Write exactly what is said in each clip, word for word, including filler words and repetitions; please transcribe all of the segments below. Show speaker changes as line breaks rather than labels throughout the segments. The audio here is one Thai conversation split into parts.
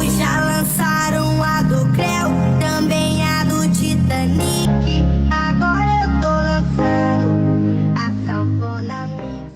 Já lançaram a do Creu, também a do Titanic. Agora eu tô lançando a sanfona mix.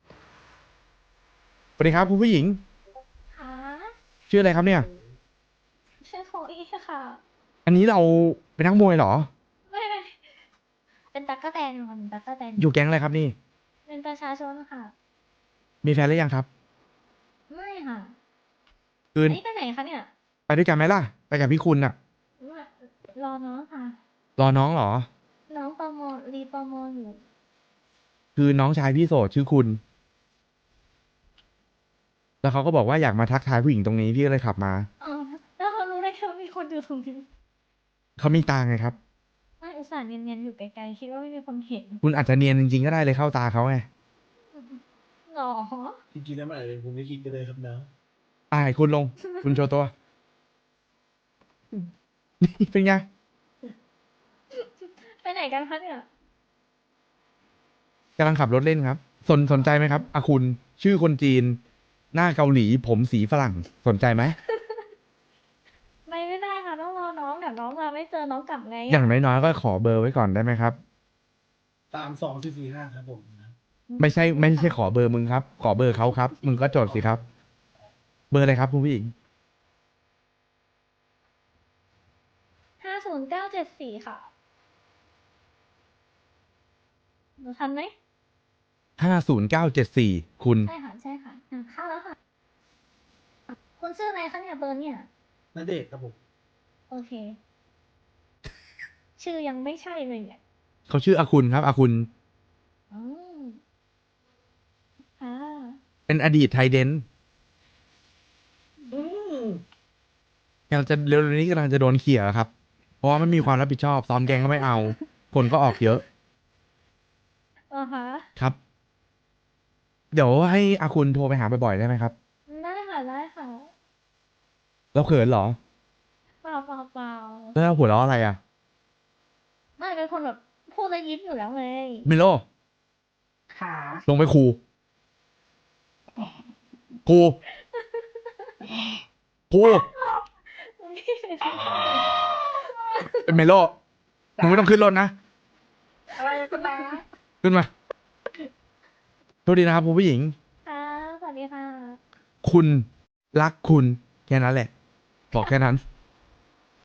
สวัสดีครับคุณผู้หญิง
ค่ะ
ชื่ออะไรครับเนี่ย
ชื่อโคอี้ค่ะ
อันนี้เราเป็นนักมวยเหรอ
ไม่ไม่เป็นตั๊กแตนค่ะเป็นตั๊กแตน
อยู่แก๊งอะไรครับนี่
เป็นประชาชนค่ะ
มีแฟนหรือยังครับ
ไม่ค่ะ
คื
อั
น
นนี้ไปไหนคะเนี่ย
ไปด้วยกันไหมล่ะ ไปกับพี่คุณน่ะ
มารอน้องค่ะ
รอน้องเหรอ
น้องประโมทรีประโมทอยู่
คือน้องชายพี่โสดชื่อคุณ แล้วเขาก็บอกว่าอยากมาทักทายผู้หญิงตรงนี้พี่ก็เลยขับมา
อ๋อ แล้วเขารู้ได้ไงว่ามีคนอยู่ตรงนี้
เขามีตาไงครับ
ไม่อุตส่าห์เนียนๆอยู่ไกลๆคิดว่าไม่มีคนเห็น
คุณอาจจะเนียนจริงๆก็ได้เลยเข้าตาเขาไง
หรอ
จริงๆแล้วมันอาจจะเป็นภูมิคิดก็ได้ครับนะ
อายคุณลง คุณโชว์ตัว นี่เป็นไง
ไปไหนกันคะเนี่ย
กำลังขับรถเล่นครับ สนสนใจไหมครับอาคุณ ชื่อคนจีน หน้าเกาหลี ผมสีฝรั่ง สนใจไหม
ไปไม่ได้ค่ะต้องรอน้องเดี๋ยวน้องมาไม่เจอน้องกลับไง
อย่างน้อยๆก็ขอเบอร์ไว้ก่อนได้ไหมครับ
สามสองสี่สี่ห้าครับผมนะ
ไม่ใช่ไม่ใช่ขอเบอร์มึงครับ ขอเบอร์เขาครับ มึงก็จดสิครับ เบอร์อะไรครับคุณผู้หญิง
ห้าศูนย์เก้าเจ็ดสี่ค่ะหนูทันไหม
ห้าศูนย์เก้าเจ็ดสี่ คุณ
ใช่ค่ะ ใช่ค่ะอ่ะเข้าแล้วค่ะ คุณชื่ออะไรคะเนี่ยเบอร์เนี่ย
นัเดชน์ครับผม
โอเค ชื่อยังไม่ใช่เลยเนี่ย
เขาชื่ออาคุณครับอาคุณ
อืมค่ะ
เป็นอดีตไทยเดน
อืม
กำลังจะเร็วๆนี้กำลังจะโดนเขี่ยครับ เพราะว่าไม่มีความรับผิดชอบ ซ้อมแกงก็ไม่เอา คนก็ออกเยอะ
อ๋อฮะ
ครับ เดี๋ยวให้อาคุณโทรไปหาบ่อยๆได้ไหมครับ
ได้ค่ะ ได้ค่ะ
แล้วเขินเหรอ
เปล่าเปล่าเปล่า
แล้วหัวเราะอะไรอ่ะ
ไม่เป็นคนแบบพูดแล้วยิ้มอยู่แล้วเลย
มิโล
ขา
ลงไปครูครูครูเป็นเมโลมึงไม่ต้องขึ้นรถนะ
อะไรกันนะ
ขึ้นมาโทษดีนะครับคุณผู้หญิง
ค่ะสวัสดีค่ะ
คุณรักคุณแค่นั้นแหละ บอกแค่นั้น